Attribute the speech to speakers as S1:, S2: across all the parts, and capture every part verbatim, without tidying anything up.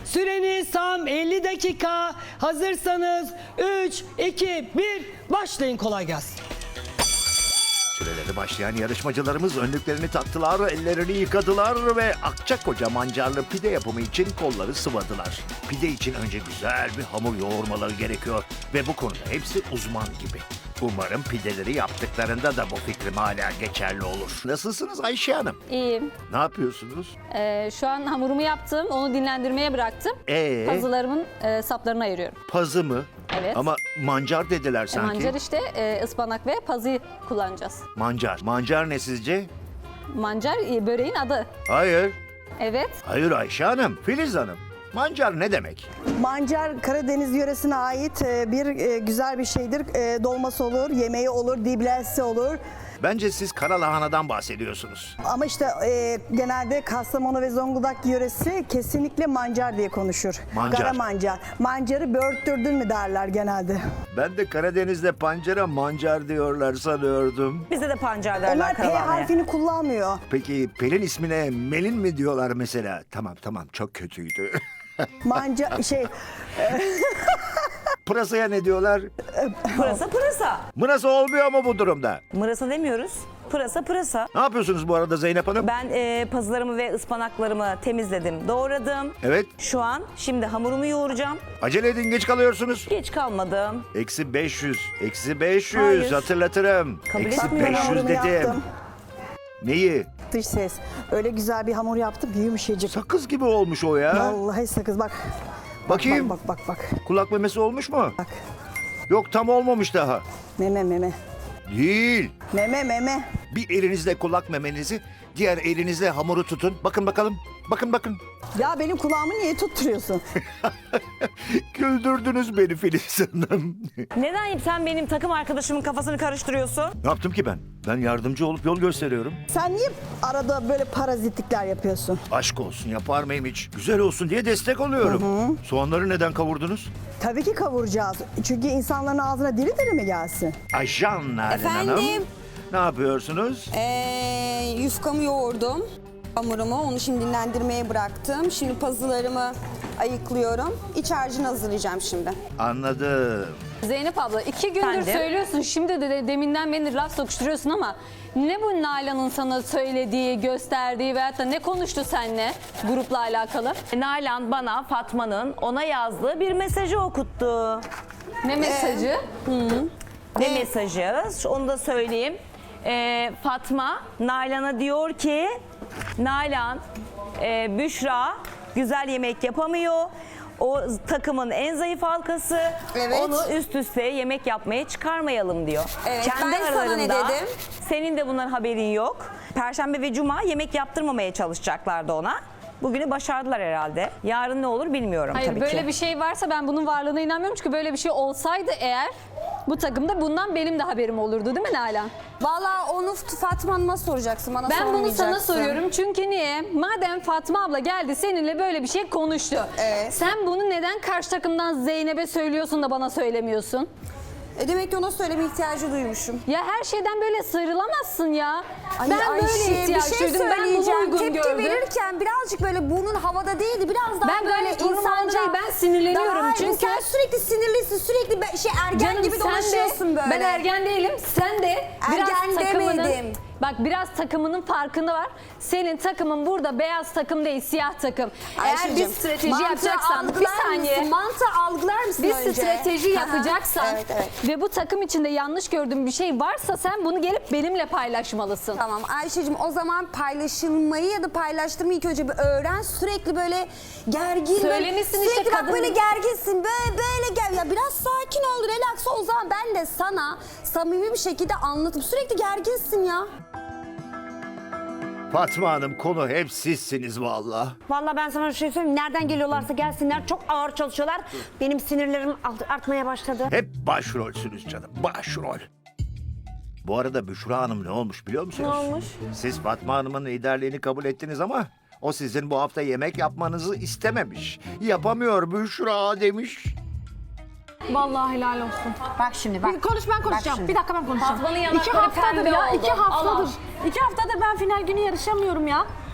S1: Süreniz tam elli dakika. Hazırsanız üç, iki, bir başlayın, kolay gelsin.
S2: Süreleri başlayan yarışmacılarımız önlüklerini taktılar, ellerini yıkadılar ve Akçakoca mancarlı pide yapımı için kolları sıvadılar. Pide için önce güzel bir hamur yoğurmaları gerekiyor ve bu konuda hepsi uzman gibi. Umarım pideleri yaptıklarında da bu fikrim hala geçerli olur. Nasılsınız Ayşe Hanım?
S3: İyiyim.
S2: Ne yapıyorsunuz?
S3: Ee, şu an hamurumu yaptım. Onu dinlendirmeye bıraktım.
S2: Ee?
S3: Pazılarımın e, saplarını ayırıyorum.
S2: Pazı mı?
S3: Evet.
S2: Ama mancar dediler
S3: E,
S2: sanki.
S3: mancar işte e, ıspanak ve pazıyı kullanacağız.
S2: Mancar. Mancar ne sizce?
S3: Mancar e, böreğin adı.
S2: Hayır.
S3: Evet.
S2: Hayır Ayşe Hanım, Filiz Hanım. Mancar ne demek?
S4: Mancar Karadeniz yöresine ait e, bir e, güzel bir şeydir. E, Dolması olur, yemeği olur, diblesi olur.
S2: Bence siz kara lahanadan bahsediyorsunuz.
S4: Ama işte e, genelde Kastamonu ve Zonguldak yöresi kesinlikle mancar diye konuşur.
S2: Mancar.
S4: Kara mancar. Mancarı böğürttürdün mü derler genelde.
S2: Ben de Karadeniz'de pancara mancar diyorlar sanıyordum.
S5: Bizde de pancar derler
S4: Onlar P
S5: karavanaya.
S4: harfini kullanmıyor.
S2: Peki Pelin ismine Melin mi diyorlar mesela? Tamam tamam, çok kötüydü.
S4: Mancar şey
S2: Pırasaya ne diyorlar?
S5: Pırasa pırasa.
S2: Mırası olmuyor mu bu durumda?
S5: Mırasa demiyoruz. Pırasa pırasa.
S2: Ne yapıyorsunuz bu arada Zeynep Hanım?
S5: Ben e, pazılarımı ve ıspanaklarımı temizledim, doğradım.
S2: Evet.
S5: Şu an şimdi hamurumu yoğuracağım.
S2: Acele edin, geç kalıyorsunuz.
S5: Geç kalmadım.
S2: Eksi beş yüz. Eksi beş yüz
S5: Hayır.
S2: hatırlatırım.
S5: Kabul
S2: Eksi
S5: etmiyorum.
S2: beş yüz
S4: hamurumu
S2: dedim.
S4: yaptım.
S2: Neyi?
S4: Dış ses. Öyle güzel bir hamur yaptım ki yumuşacık.
S2: Sakız gibi olmuş o ya.
S4: Vallahi sakız bak.
S2: Bakayım.
S4: Bak bak bak bak.
S2: Kulak memesi olmuş mu?
S4: Bak.
S2: Yok, tam olmamış daha.
S4: Meme meme.
S2: Değil.
S4: Meme meme.
S2: Bir elinizle kulak memenizi, diğer elinizle hamuru tutun. Bakın bakalım. Bakın bakın.
S4: Ya benim kulağımı niye tutturuyorsun?
S2: Güldürdünüz beni Filiz Hanım.
S5: Neden sen benim takım arkadaşımın kafasını karıştırıyorsun?
S2: Ne yaptım ki ben? Ben yardımcı olup yol gösteriyorum.
S4: Sen niye arada böyle parazitlikler yapıyorsun?
S2: Aşk olsun, yapar mıyım hiç? Güzel olsun diye destek oluyorum. Soğanları neden kavurdunuz?
S4: Tabii ki kavuracağız. Çünkü insanların ağzına diri diri mi gelsin?
S2: Ayşan Nalan Hanım.
S6: Efendim?
S2: Ne yapıyorsunuz?
S6: Ee, yufkamı yoğurdum. Hamurumu, onu şimdi dinlendirmeye bıraktım. Şimdi pazılarımı ayıklıyorum. İç harcını hazırlayacağım şimdi.
S2: Anladım.
S3: Zeynep abla iki gündür
S5: Efendim?
S3: söylüyorsun. Şimdi de, de deminden beni laf sokuşturuyorsun ama ne bu Nalan'ın sana söylediği, gösterdiği veyahut da ne konuştu seninle grupla alakalı?
S5: Nalan bana Fatma'nın ona yazdığı bir mesajı okuttu.
S3: Ne mesajı?
S5: Ne mesajı? Onu da söyleyeyim. Ee, Fatma Nalan'a diyor ki, Nalan, e, Büşra güzel yemek yapamıyor. O takımın en zayıf halkası.
S6: Evet.
S5: Onu üst üste yemek yapmaya çıkarmayalım diyor.
S6: Evet, ben sana ne dedim?
S5: Senin de bunların haberin yok. Perşembe ve Cuma yemek yaptırmamaya çalışacaklardı ona. Bugünü başardılar herhalde. Yarın ne olur bilmiyorum
S3: Hayır,
S5: tabii
S3: böyle
S5: ki.
S3: bir şey varsa ben bunun varlığına inanmıyorum. Çünkü böyle bir şey olsaydı eğer bu takımda bundan benim de haberim olurdu değil mi Nalan?
S6: Vallahi onu Fatma Hanım'a soracaksın, bana
S3: Ben bunu
S6: sormayacaksın.
S3: sana soruyorum çünkü niye? Madem Fatma abla geldi seninle böyle bir şey konuştu.
S6: Evet.
S3: Sen bunu neden karşı takımdan Zeynep'e söylüyorsun da bana söylemiyorsun?
S6: E demek ki ona söyleme ihtiyacı duymuşum.
S3: Ya her şeyden böyle sıyrılamazsın ya.
S6: Ay
S3: ben
S6: Ayşe,
S3: böyle ihtiyaç
S6: bir şey
S3: duydum. Ben bunu
S6: söyleyeceğim.
S3: uygun
S6: Tepki
S3: gördüm.
S6: verirken birazcık böyle burnun havada değildi. Biraz daha
S3: Ben
S6: böyle
S3: gayet burnum havada
S6: insanca.
S3: değil, ben sinirleniyorum
S6: Daha-
S3: çünkü-
S6: Sen sürekli sinirlisin. Sürekli be- şey ergen
S3: Canım
S6: gibi
S3: sen de,
S6: dolaşıyorsun böyle.
S3: ben ergen değilim. Sen de biraz
S6: Ergen
S3: takımının,
S6: demedim.
S3: bak biraz takımının farkında var. Senin takımın burada beyaz takım değil, siyah takım. Eğer bir
S6: Ayşe'cim,
S3: strateji
S6: mantığı
S3: yapacaksan, bir
S6: algılar
S3: saniye.
S6: Mısın? Mantığı algılar mısın
S3: Bir
S6: önce?
S3: strateji
S6: Hı hı.
S3: yapacaksan
S6: Evet, evet.
S3: ve bu takım içinde yanlış gördüğün bir şey varsa sen bunu gelip benimle paylaşmalısın.
S6: Tamam Ayşe'cim, o zaman paylaşılmayı ya da paylaştırmayı ilk önce bir öğren. Sürekli böyle gergin.
S3: Söylemişsin
S6: böyle,
S3: işte
S6: sürekli bak
S3: kadın-
S6: böyle gerginsin. Böyle böyle gel. Ya biraz sakin ol, relax ol. O zaman ben de sana samimi bir şekilde anlatıp sürekli gerginsin ya.
S2: Fatma Hanım, konu hep sizsiniz valla.
S7: Vallahi ben sana bir şey söyleyeyim. Nereden geliyorlarsa gelsinler. Çok ağır çalışıyorlar. Benim sinirlerim art- artmaya başladı.
S2: Hep başrolsünüz canım, başrol. Bu arada Büşra Hanım ne olmuş biliyor musunuz?
S7: Ne olmuş?
S2: Siz Fatma Hanım'ın liderliğini kabul ettiniz ama o sizin bu hafta yemek yapmanızı istememiş. Yapamıyor Büşra demiş.
S8: Vallahi helal olsun.
S7: Bak şimdi bak.
S8: Bir konuş, ben konuşacağım.
S7: şimdi.
S8: Bir dakika ben konuşacağım.
S3: Fatma'nın
S8: İki
S3: yanakları
S8: haftadır
S3: pembe
S8: ya,
S3: oldu.
S8: iki haftadır.
S3: Allah.
S8: İki haftadır ben final günü yarışamıyorum ya.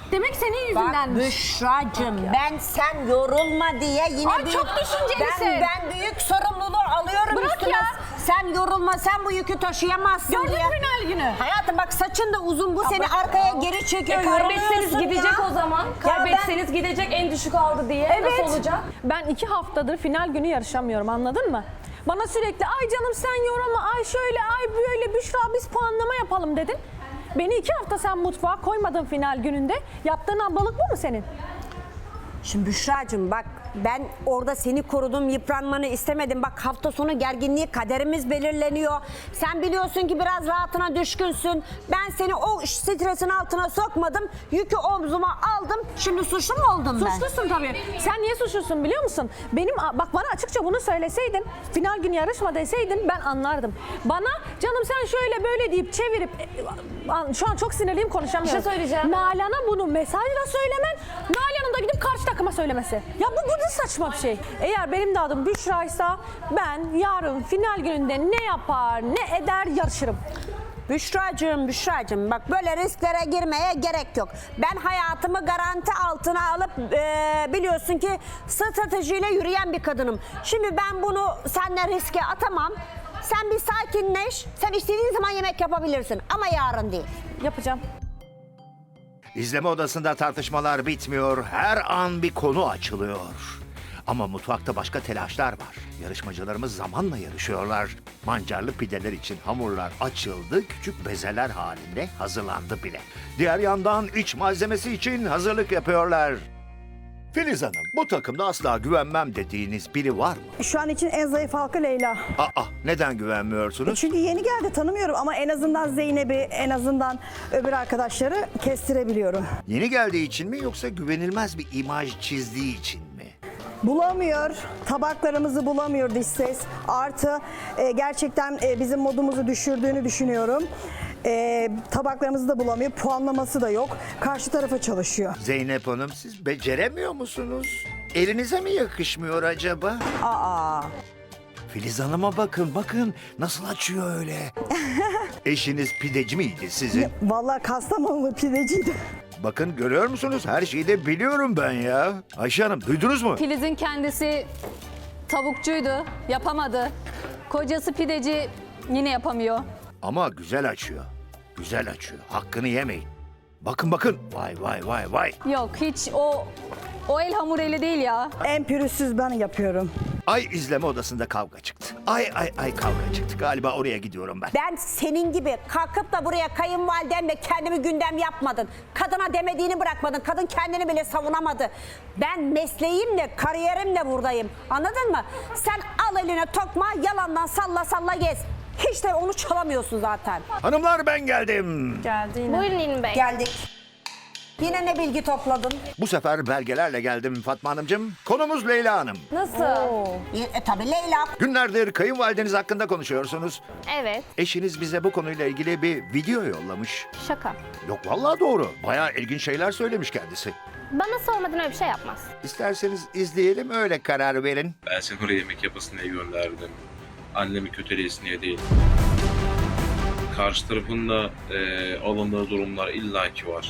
S8: Demek senin
S7: Bak
S8: yüzündenmiş.
S7: Büşra'cığım ben sen yorulma diye yine
S8: Ay,
S7: büyük,
S8: çok düşüncelisin.
S7: ben, ben büyük sorumluluğu alıyorum
S8: Bırak
S7: üstüme.
S8: ya.
S7: Sen yorulma, sen bu yükü taşıyamazsın
S8: Gördün
S7: diye.
S8: final günü.
S7: Hayatım bak saçın da uzun, bu seni arkaya geri çekiyor.
S9: E, kaybetseniz
S7: yoruluyorsun
S9: gidecek
S7: ya.
S9: o zaman.
S7: Ya
S9: Kaybetseniz gidecek, en düşük aldı diye.
S8: Evet.
S9: Nasıl olacak?
S8: Ben iki haftadır final günü yarışamıyorum, anladın mı? Bana sürekli ay canım sen yorulma, ay şöyle, ay böyle Büşra biz puanlama yapalım dedin. Beni iki hafta sen mutfağa koymadın final gününde. Yaptığın ablalık bu mu senin?
S7: Şimdi Büşra'cığım bak ben orada seni korudum, yıpranmanı istemedim. Bak hafta sonu gerginliği, kaderimiz belirleniyor. Sen biliyorsun ki biraz rahatına düşkünsün. Ben seni o stresin altına sokmadım. Yükü omzuma aldım. Şimdi suçlu mu oldum ben?
S8: Suçlusun tabii. Sen niye suçlusun biliyor musun? Benim bak bana açıkça bunu söyleseydin, final günü yarışma deseydin ben anlardım. Bana canım sen şöyle böyle deyip çevirip e, şu an çok sinirliyim konuşamıyorum.
S9: Bir şey söyleyeceğim.
S8: Nalan'a bunu mesajla söylemen, Nalan'ın da gidip karşı takıma söylemesi. Ya bu bu ne saçma bir şey. Eğer benim de adım Büşra'ysa ben yarın final gününde ne yapar ne eder yarışırım.
S7: Büşra'cığım, Büşra'cığım bak böyle risklere girmeye gerek yok. Ben hayatımı garanti altına alıp e, biliyorsun ki stratejiyle yürüyen bir kadınım. Şimdi ben bunu seninle riske atamam. Sen bir sakinleş. Sen istediğin zaman yemek yapabilirsin ama yarın değil.
S8: Yapacağım.
S2: İzleme odasında tartışmalar bitmiyor. Her an bir konu açılıyor. Ama mutfakta başka telaşlar var. Yarışmacılarımız zamanla yarışıyorlar. Mancarlı pideler için hamurlar açıldı, küçük bezeler halinde hazırlandı bile. Diğer yandan iç malzemesi için hazırlık yapıyorlar. Filiz Hanım, bu takımda asla güvenmem dediğiniz biri var mı?
S4: Şu an için en zayıf halka Leyla.
S2: Aa, neden güvenmiyorsunuz?
S4: Çünkü yeni geldi, tanımıyorum ama en azından Zeynep'i, en azından öbür arkadaşları kestirebiliyorum.
S2: Yeni geldiği için mi yoksa güvenilmez bir imaj çizdiği için mi?
S4: Bulamıyor, tabaklarımızı bulamıyor dış ses. Artı e, gerçekten e, bizim modumuzu düşürdüğünü düşünüyorum. E, tabaklarımızı da bulamıyor, puanlaması da yok. Karşı tarafa çalışıyor.
S2: Zeynep Hanım, siz beceremiyor musunuz? Elinize mi yakışmıyor acaba?
S7: Aa.
S2: Filiz Hanım'a bakın, bakın nasıl açıyor öyle. Eşiniz pideci miydi sizin?
S4: Vallahi Kastamonulu pideciydi.
S2: Bakın görüyor musunuz? Her şeyi de biliyorum ben ya. Ayşe Hanım duydunuz mu?
S3: Filiz'in kendisi tavukçuydu, yapamadı. Kocası pideci, yine yapamıyor.
S2: Ama güzel açıyor. Güzel açıyor. Hakkını yemeyin. Bakın bakın. Vay vay vay vay.
S3: Yok hiç o o el hamur eli değil ya.
S4: En pürüzsüz ben yapıyorum.
S2: Ay izleme odasında kavga çıktı. Ay ay ay kavga çıktı. Galiba oraya gidiyorum ben.
S7: Ben senin gibi kalkıp da buraya kayınvalidemle kendimi gündem yapmadın. Kadına demediğini bırakmadın. Kadın kendini bile savunamadı. Ben mesleğimle, kariyerimle buradayım. Anladın mı? Sen al eline tokma, yalandan salla salla gez. Hiç de onu çalamıyorsun zaten.
S2: Hanımlar ben geldim.
S8: Buyurun İlmi Bey.
S7: Geldik. Yine ne bilgi topladın?
S2: Bu sefer belgelerle geldim Fatma Hanımcığım. Konumuz Leyla Hanım.
S3: Nasıl?
S7: E, tabii Leyla.
S2: Günlerdir kayınvalideniz hakkında konuşuyorsunuz.
S8: Evet.
S2: Eşiniz bize bu konuyla ilgili bir video yollamış.
S8: Şaka.
S2: Yok vallahi doğru. Bayağı ilginç şeyler söylemiş kendisi.
S8: Bana sormadan öyle bir şey yapmaz.
S2: İsterseniz izleyelim öyle karar verin.
S10: Ben seni oraya yemek yapasın diye gönderdim. Annemi kötüleyesin diye değil. Karşı tarafın da e, alındığı durumlar illaki var.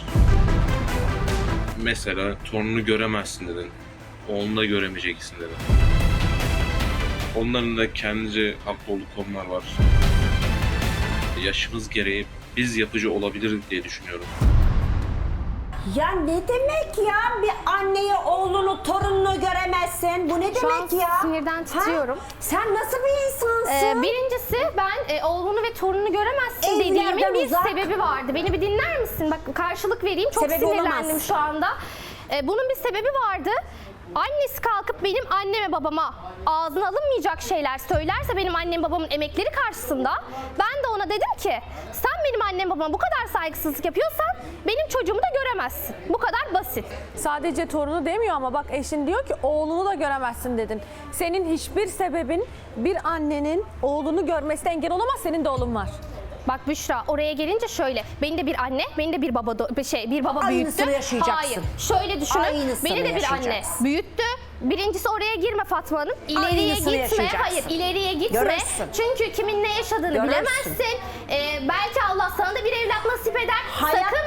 S10: Mesela torununu göremezsin dedin. Oğlunu da göremeyeceksin dedin. Onların da kendince haklı olduğu konular var. Yaşımız gereği biz yapıcı olabiliriz diye düşünüyorum.
S7: Ya ne demek ya? Bir anneyi, oğlunu, torununu göremezsin. Bu ne
S11: Şu
S7: demek
S11: an
S7: ya?
S11: sinirden titriyorum.
S7: Ha? Sen nasıl bir insansın?
S11: Ee, birincisi ben e, oğlunu ve torununu göremezsin
S7: Evlerden
S11: dediğimin bir
S7: uzak.
S11: sebebi vardı. Beni bir dinler misin? Bak karşılık vereyim. Çok
S7: Sebebi
S11: sinirlendim
S7: olamaz.
S11: şu anda. Ee, bunun bir sebebi vardı. Annesi kalkıp benim anneme babama ağzına alınmayacak şeyler söylerse benim annem babamın emekleri karşısında ben de ona dedim ki sen benim annem babama bu kadar saygısızlık yapıyorsan benim çocuğumu da göremezsin. Bu kadar basit.
S8: Sadece torunu demiyor ama bak eşin diyor ki oğlunu da göremezsin dedin. Senin hiçbir sebebin bir annenin oğlunu görmesine engel olamaz. Senin de oğlun var.
S11: Bak Büşra oraya gelince şöyle beni de bir anne beni de bir baba do- bir şey bir baba
S7: Aynısını
S11: büyüttü.
S7: yaşayacaksın.
S11: Hayır. Şöyle düşünün.
S7: Aynısını
S11: Beni de bir anne
S7: yaşayacaksın.
S11: büyüttü. Birincisi oraya girme Fatma Hanım. İleriye
S7: Aynısını
S11: gitme.
S7: yaşayacaksın.
S11: Hayır, ileriye gitme.
S7: Görürsün.
S11: Çünkü kimin ne yaşadığını
S7: Görürsün.
S11: bilemezsin. Ee, belki Allah sana da bir evlat nasip eder.
S7: Hayat-
S11: Sakın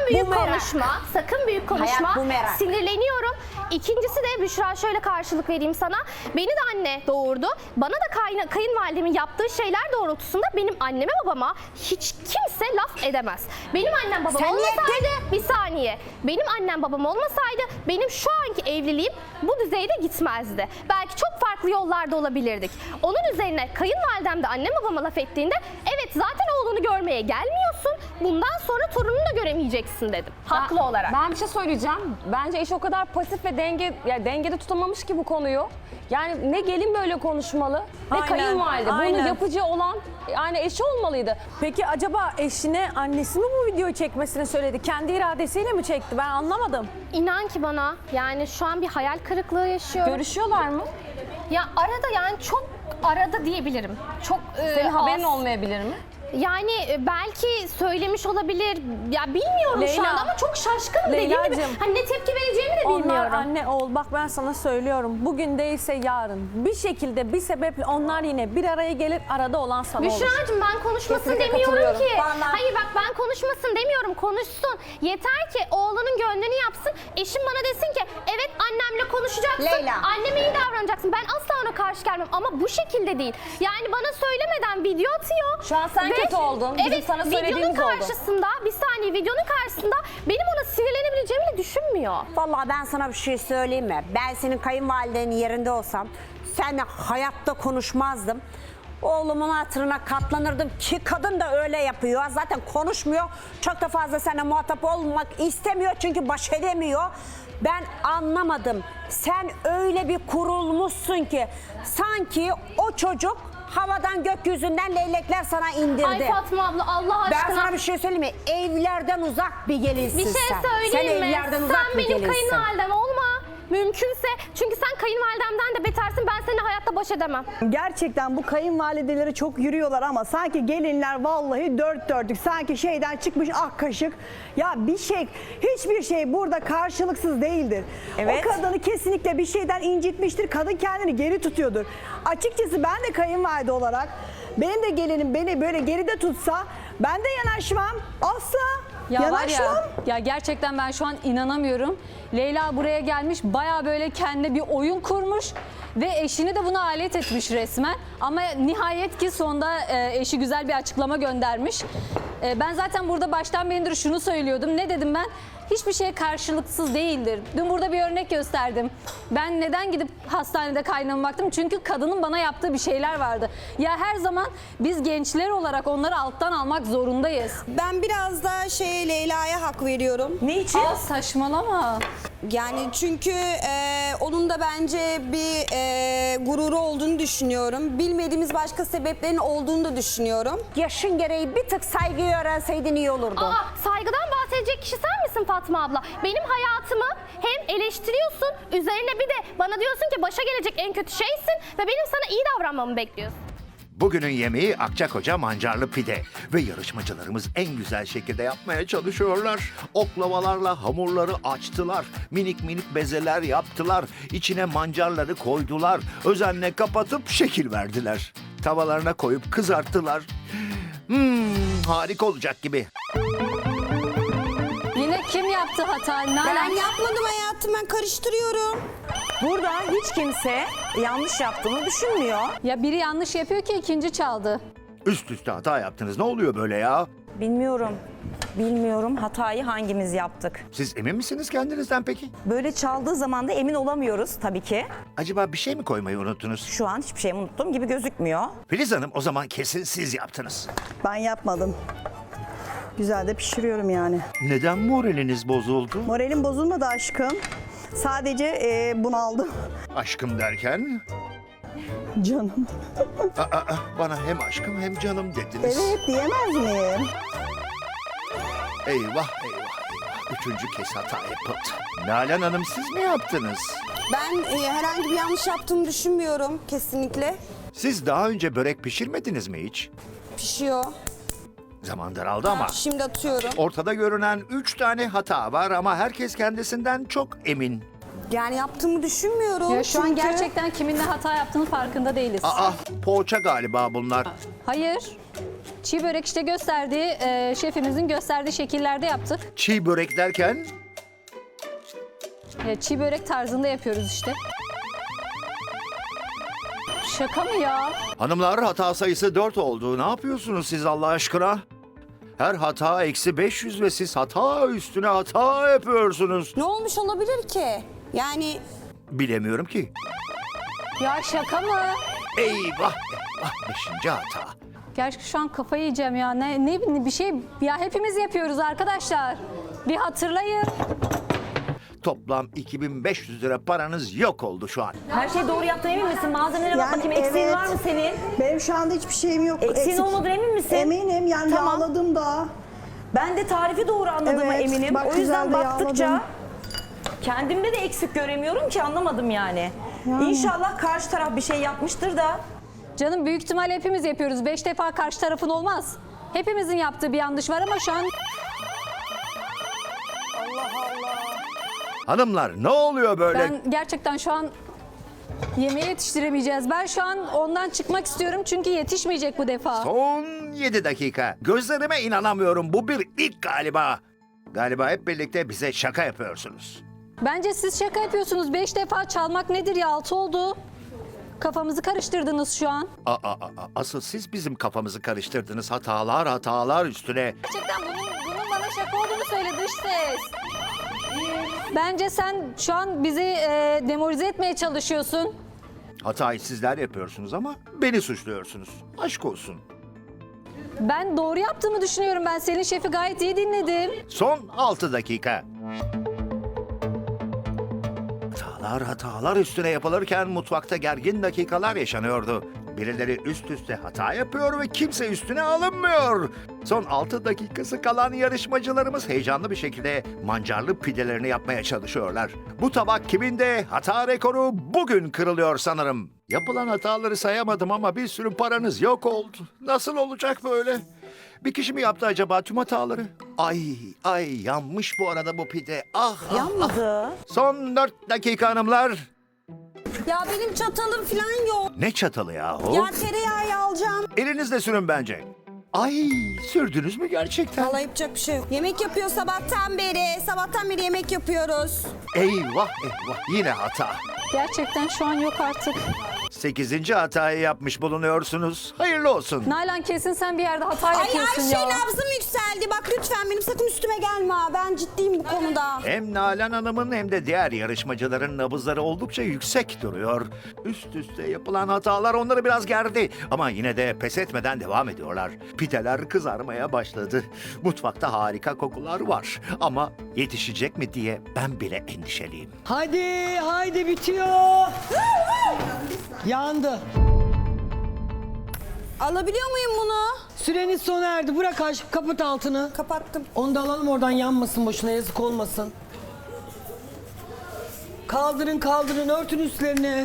S11: büyük
S7: Bumerang.
S11: konuşma. Sakın büyük konuşma.
S7: Hayat bumerang.
S11: Sinirleniyorum. İkincisi de Büşra, şöyle karşılık vereyim sana. Beni de anne doğurdu. Bana da kayın, kayınvalidemin yaptığı şeyler doğrultusunda benim anneme babama hiç kimse laf edemez. Benim annem babam
S7: Sen niye
S11: olmasaydı, bir saniye. Benim annem babam olmasaydı benim şu anki evliliğim bu düzeyde gitmezdi. Belki çok farklı yollarda olabilirdik. Onun üzerine kayınvalidem de annem babama laf ettiğinde evet zaten oğlunu görmeye gelmiyorsun. Bundan sonra torununu da göremeyeceksin dedim. Haklı
S9: Ben-
S11: olarak.
S9: Ben bir şey söyleyeceğim. Bence eş o kadar pasif ve denge, yani dengede tutamamış ki bu konuyu. Yani ne gelin böyle konuşmalı ne
S8: Aynen,
S9: kayınvalide.
S8: aynen.
S9: Bunu yapıcı olan yani eşi olmalıydı.
S8: Peki acaba eşine annesi mi bu videoyu çekmesini söyledi? Kendi iradesiyle mi çekti? Ben anlamadım.
S11: İnan ki bana yani şu an bir hayal kırıklığı yaşıyorum.
S9: Görüşüyorlar mı?
S11: Ya arada yani çok arada diyebilirim. Çok e,
S9: Senin haberin
S11: az.
S9: olmayabilir mi?
S11: Yani e, belki söylemiş olabilir. Ya bilmiyorum şu
S8: Leyla.
S11: anda ama çok şaşkınım dediğim gibi.
S8: Leylacığım.
S11: Hani ne tepki vereceğimi de
S8: Onlar
S11: bilmiyorum.
S8: anne oğul, bak ben sana söylüyorum. Bugün değilse yarın bir şekilde bir sebeple onlar yine bir araya gelir, arada olan sana olur.
S11: Büşra'cığım ben konuşmasın
S8: Kesinlikle
S11: demiyorum
S8: katılıyorum.
S11: ki.
S8: Vallahi.
S11: Hayır bak ben konuşmasın demiyorum, konuşsun. Yeter ki oğlunun gönlünü yapsın. Eşim bana desin ki evet annemle konuşacaksın.
S7: Leyla.
S11: Anneme iyi davranacaksın. Ben asla ona karşı gelmem ama bu şekilde değil. Yani bana söylemeden video atıyor.
S9: Şu an sen kötü oldun. Bizim
S11: evet,
S9: sana
S11: videonun
S9: söylediğimiz oldu.
S11: karşısında bir saniye videonun karşısında benim ona sinirlenebileceğimi de düşünmüyor.
S7: Vallahi ben sana bir şey söyleyeyim mi? Ben senin kayınvalidenin yerinde olsam seninle hayatta konuşmazdım. Oğlumun hatırına katlanırdım ki kadın da öyle yapıyor. Zaten konuşmuyor. Çok da fazla seninle muhatap olmak istemiyor çünkü baş edemiyor. Ben anlamadım. Sen öyle bir kurulmuşsun ki sanki o çocuk havadan gökyüzünden leylekler sana indirdi.
S11: Ay Fatma abla Allah aşkına.
S7: Ben sana bir şey söyleyeyim mi? Evlerden uzak bir gelinsin
S11: Bir şey
S7: sen.
S11: söyleyeyim
S7: sen
S11: mi?
S7: evlerden uzak
S11: Sen
S7: bir
S11: benim
S7: gelinsin.
S11: kayınvalidem olma. Mümkünse. Çünkü sen kayınvalidemden de betersin. Ben seninle hayatta baş edemem.
S4: Gerçekten bu kayınvalideleri çok yürüyorlar ama sanki gelinler vallahi dört dörtlük. Sanki şeyden çıkmış ak kaşık. Ya bir şey, hiçbir şey burada karşılıksız değildir.
S5: Evet.
S4: O kadını kesinlikle bir şeyden incitmiştir. Kadın kendini geri tutuyordur. Açıkçası ben de kayınvalide olarak benim de gelinim beni böyle geride tutsa ben de yanaşmam. Asla
S3: Ya var
S4: yanaşmam.
S3: ya, ya gerçekten ben şu an inanamıyorum. Leyla buraya gelmiş, baya böyle kendine bir oyun kurmuş ve eşini de buna alet etmiş resmen. Ama nihayet ki sonunda e, eşi güzel bir açıklama göndermiş. E, ben zaten burada baştan beridir şunu söylüyordum. Ne dedim ben? Hiçbir şey karşılıksız değildir. Dün burada bir örnek gösterdim. Ben neden gidip hastanede kaynağıma baktım? Çünkü kadının bana yaptığı bir şeyler vardı. Ya her zaman biz gençler olarak onları alttan almak zorundayız.
S6: Ben biraz da şeye Leyla'ya hak veriyorum.
S5: Ne için?
S3: Aa, saçmalama.
S6: Yani çünkü e, onun da bence bir e, gururu olduğunu düşünüyorum. Bilmediğimiz başka sebeplerin olduğunu da düşünüyorum.
S7: Yaşın gereği bir tık saygıyı öğrenseydin iyi olurdu.
S11: Aa, saygıdan bahsedecek kişi sen misin Fatma abla? Benim hayatımı hem eleştiriyorsun, üzerine bir de bana diyorsun ki başa gelecek en kötü şeysin ve benim sana iyi davranmamı bekliyorsun.
S2: Bugünün yemeği Akçakoca mancarlı pide ve yarışmacılarımız en güzel şekilde yapmaya çalışıyorlar. Oklavalarla hamurları açtılar, minik minik bezeler yaptılar, içine mancarları koydular, özenle kapatıp şekil verdiler. Tavalarına koyup kızarttılar. Hmm, harika olacak gibi.
S3: Yine kim yaptı hata?
S6: Ben
S3: Nalan.
S6: yapmadım hayatım, ben karıştırıyorum.
S5: Burada hiç kimse yanlış yaptığını düşünmüyor.
S3: Ya biri yanlış yapıyor ki ikinci çaldı.
S2: Üst üste hata yaptınız. Ne oluyor böyle ya?
S5: Bilmiyorum. Bilmiyorum hatayı hangimiz yaptık.
S2: Siz emin misiniz kendinizden peki?
S5: Böyle çaldığı zaman da emin olamıyoruz tabii ki.
S2: Acaba bir şey mi koymayı unuttunuz?
S5: Şu an hiçbir şey unuttuğum gibi gözükmüyor.
S2: Filiz Hanım, o zaman kesin siz yaptınız.
S4: Ben yapmadım. Güzel de pişiriyorum yani.
S2: Neden moraliniz bozuldu?
S4: Moralim bozulmadı aşkım. Sadece e, bunaldım.
S2: Aşkım derken?
S4: Canım.
S2: Aa, aa, bana hem aşkım hem canım dediniz.
S4: Evet diyemez miyim?
S2: Eyvah eyvah eyvah. Üçüncü kez hata yapıldı. Nalan Hanım, siz mi yaptınız?
S6: Ben e, herhangi bir yanlış yaptığımı düşünmüyorum kesinlikle.
S2: Siz daha önce börek pişirmediniz mi hiç?
S6: Pişiyor.
S2: Zaman daraldı ama.
S6: Şimdi atıyorum.
S2: Ortada görünen üç tane hata var ama herkes kendisinden çok emin.
S6: Yani yaptığımı düşünmüyorum.
S3: Ya şu an
S6: çünkü-
S3: gerçekten kiminle hata yaptığının farkında değiliz.
S2: Aa, poğaça galiba bunlar.
S3: Hayır. Çiğ börek işte gösterdiği, e, şefimizin gösterdiği şekillerde yaptık.
S2: Çiğ börek derken
S3: E, çiğ börek tarzında yapıyoruz işte. Şaka mı ya?
S2: hanımlar hata sayısı dört oldu. Ne yapıyorsunuz siz Allah aşkına? Her hata eksi beş yüz ve siz hata üstüne hata yapıyorsunuz.
S6: Ne olmuş olabilir ki? Yani
S2: Bilemiyorum ki.
S3: Ya şaka mı?
S2: Eyvah eyvah beşinci hata.
S3: Gerçi şu an kafayı yiyeceğim ya. Ne, ne bir şey ya hepimiz yapıyoruz arkadaşlar. Bir hatırlayın.
S2: Toplam iki bin beş yüz lira paranız yok oldu şu an.
S5: Her şeyi doğru yaptığına emin misin? Malzemelere bak
S4: Yani
S5: bakayım. Eksiğin
S4: evet.
S5: var mı senin?
S4: Benim şu anda hiçbir şeyim yok.
S5: Eksiğin
S4: Eksik-
S5: olmadığına emin misin?
S4: Eminim yani
S5: Tamam.
S4: yağladım da.
S5: Ben de tarifi doğru anladığıma
S4: Evet,
S5: eminim.
S4: bak
S5: O yüzden
S4: güzel de
S5: baktıkça
S4: yağladım.
S5: kendimde de eksik göremiyorum ki, anlamadım yani. İnşallah karşı taraf bir şey yapmıştır da.
S3: Canım büyük ihtimalle hepimiz yapıyoruz. Beş defa karşı tarafın olmaz. Hepimizin yaptığı bir yanlış var ama şu an
S2: Hanımlar ne oluyor böyle?
S3: ben gerçekten şu an yemeği yetiştiremeyeceğiz. Ben şu an ondan çıkmak istiyorum çünkü yetişmeyecek bu defa.
S2: Son yedi dakika. Gözlerime inanamıyorum. Bu bir ilk galiba. Galiba hep birlikte bize şaka yapıyorsunuz.
S3: Bence siz şaka yapıyorsunuz. Beş defa çalmak nedir ya? Altı oldu. Kafamızı karıştırdınız şu an.
S2: Aa, aa, aa, asıl siz bizim kafamızı karıştırdınız. Hatalar hatalar üstüne.
S3: Gerçekten bunun, bunun bana şaka olduğunu söyle dış ses. Bence sen şu an bizi e, demoralize etmeye çalışıyorsun.
S2: Hatayı sizler yapıyorsunuz ama beni suçluyorsunuz. Aşk olsun.
S3: Ben doğru yaptığımı düşünüyorum. Ben Selin Şef'i gayet iyi dinledim.
S2: Son altı dakika. Hatalar hatalar üstüne yapılırken mutfakta gergin dakikalar yaşanıyordu. Birileri üst üste hata yapıyor ve kimse üstüne alınmıyor. Son altı dakikası kalan yarışmacılarımız heyecanlı bir şekilde mancarlı pidelerini yapmaya çalışıyorlar. Bu tabak kiminde? Hata rekoru bugün kırılıyor sanırım. Yapılan hataları sayamadım ama bir sürü paranız yok oldu. Nasıl olacak böyle? Bir kişi mi yaptı acaba tüm hataları? Ay ay yanmış bu arada bu pide. Ah, ah,
S5: Yanmadı.
S2: Son dört dakika hanımlar.
S6: ya benim çatalım falan yok.
S2: Ne çatalı yahu?
S6: Ya tereyağı alacağım.
S2: Elinizle sürün bence. Ay sürdünüz mü gerçekten?
S6: Vallahi yapacak bir şey yok. Yemek yapıyor sabahtan beri. Sabahtan beri yemek yapıyoruz.
S2: Eyvah eyvah yine hata.
S3: Gerçekten şu an yok artık.
S2: Sekizinci hatayı yapmış bulunuyorsunuz. Hayırlı olsun.
S3: Nalan kesin sen bir yerde hata
S6: Ay
S3: yapıyorsun
S6: Ayşe
S3: ya.
S6: nabzım yükseldi. Bak lütfen benim sakın üstüme gelme ha. Ben ciddiyim bu konuda.
S2: Hem Nalan Hanım'ın hem de diğer yarışmacıların nabızları oldukça yüksek duruyor. Üst üste yapılan hatalar onları biraz gerdi. Ama yine de pes etmeden devam ediyorlar. Pideler kızarmaya başladı. Mutfakta harika kokular var. Ama yetişecek mi diye ben bile endişeliyim.
S1: Hadi haydi bitiyor. Yandı.
S6: Alabiliyor muyum bunu?
S1: Süreniz sona erdi. Bırak aşk kapat altını.
S6: Kapattım.
S1: Onu da alalım oradan yanmasın boşuna yazık olmasın. Kaldırın kaldırın örtün üstlerini.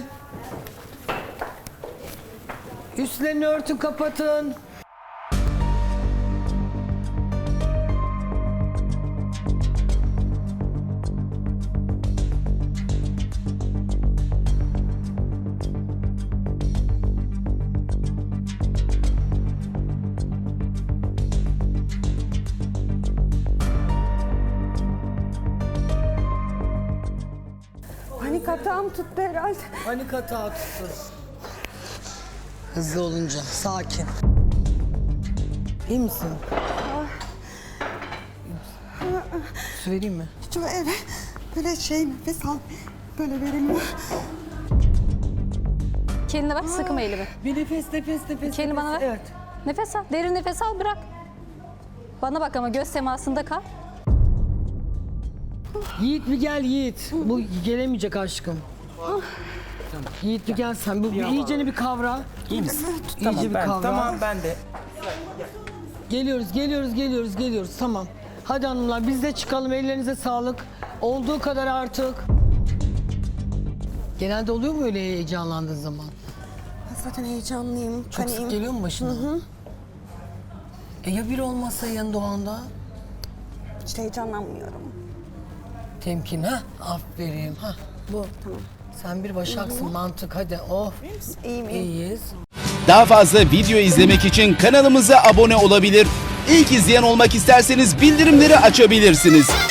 S1: Üstlerini örtün kapatın.
S6: Panik atağım tuttu herhalde.
S1: Panik hata tutsun. Hızlı olunca sakin. İyi misin? Su vereyim mi?
S6: Şu eve böyle şey nefes al. Böyle verilmiyor.
S3: Kendine bak sıkma elimi.
S1: Bir nefes nefes nefes.
S3: Kendini bana ver.
S1: Evet.
S3: Nefes al. Derin nefes al bırak. Bana bak ama göz temasında kal.
S1: Yiğit bir gel Yiğit. Bu gelemeyecek aşkım. Tamam. Yiğit bir gel sen. Bu iyiceni bir kavra.
S12: İyi misin?
S1: İyice
S12: Tamam
S1: bir
S12: ben,
S1: kavra.
S12: tamam ben de.
S1: Geliyoruz, geliyoruz, geliyoruz, geliyoruz. Tamam. Hadi hanımlar biz de çıkalım. Ellerinize sağlık. Olduğu kadar artık. Genelde oluyor mu öyle heyecanlandığın zaman?
S6: Ben zaten heyecanlıyım.
S1: Çok sık geliyor mu başına? Hı hı. E ya biri olmazsa yanında o anda?
S6: Hiç heyecanlanmıyorum.
S1: Temkin ha? Aferin ha. Bu. Tamam. Sen bir başaksın mantık hadi. Oh.
S6: İyiyim iyiyim.
S1: İyiyiz.
S12: Daha fazla video izlemek için kanalımıza abone olabilir. İlk izleyen olmak isterseniz bildirimleri açabilirsiniz.